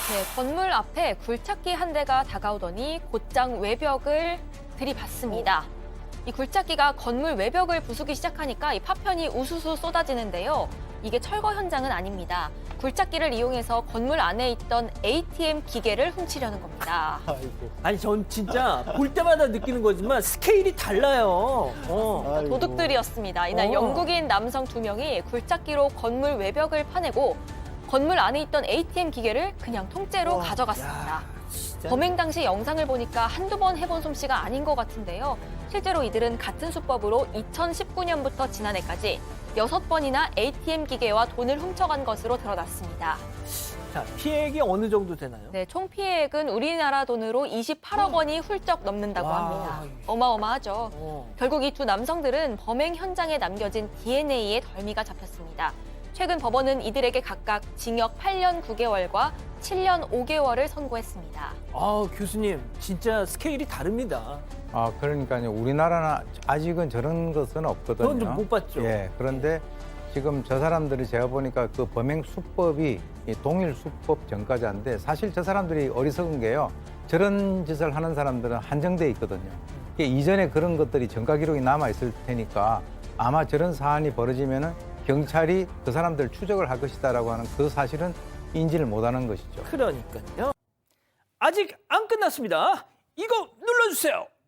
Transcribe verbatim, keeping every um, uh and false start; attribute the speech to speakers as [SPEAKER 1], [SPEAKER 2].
[SPEAKER 1] 네, 건물 앞에 굴착기 한 대가 다가오더니 곧장 외벽을 들이받습니다. 이 굴착기가 건물 외벽을 부수기 시작하니까 이 파편이 우수수 쏟아지는데요. 이게 철거 현장은 아닙니다. 굴착기를 이용해서 건물 안에 있던 에이티엠 기계를 훔치려는 겁니다.
[SPEAKER 2] 아이고.
[SPEAKER 3] 아니 전 진짜 볼 때마다 느끼는 거지만 스케일이 달라요. 어.
[SPEAKER 2] 아이고.
[SPEAKER 1] 도둑들이었습니다. 이날
[SPEAKER 3] 어.
[SPEAKER 1] 영국인 남성 두 명이 굴착기로 건물 외벽을 파내고 건물 안에 있던 에이티엠 기계를 그냥 통째로
[SPEAKER 2] 어,
[SPEAKER 1] 가져갔습니다.
[SPEAKER 3] 야, 진짜.
[SPEAKER 1] 범행 당시 영상을 보니까 한두 번 해본 솜씨가 아닌 것 같은데요. 실제로 이들은 같은 수법으로 이천십구 년부터 지난해까지 여섯 번이나 에이티엠 기계와 돈을 훔쳐간 것으로 드러났습니다.
[SPEAKER 3] 자, 피해액이 어느 정도 되나요?
[SPEAKER 1] 네, 총 피해액은 우리나라 돈으로 이십팔억 원이 훌쩍 넘는다고
[SPEAKER 3] 와.
[SPEAKER 1] 합니다. 어마어마하죠.
[SPEAKER 3] 어.
[SPEAKER 1] 결국 이 두 남성들은 범행 현장에 남겨진 디엔에이의 덜미가 잡혔습니다. 최근 법원은 이들에게 각각 징역 팔 년 구 개월과 칠 년 오 개월을 선고했습니다.
[SPEAKER 3] 아, 교수님, 진짜 스케일이 다릅니다.
[SPEAKER 4] 아, 그러니까요. 우리나라는 아직은 저런 것은 없거든요.
[SPEAKER 3] 그건 좀 못 봤죠.
[SPEAKER 4] 예, 그런데 지금 저 사람들이 제가 보니까 그 범행 수법이 이 동일 수법 전과자인데 사실 저 사람들이 어리석은 게요. 저런 짓을 하는 사람들은 한정돼 있거든요. 이게 이전에 그런 것들이 전과 기록이 남아 있을 테니까 아마 저런 사안이 벌어지면은 경찰이 그 사람들 추적을 할 것이다라고 하는 그 사실은 인지를 못하는 것이죠.
[SPEAKER 3] 그러니까요. 아직 안 끝났습니다. 이거 눌러주세요.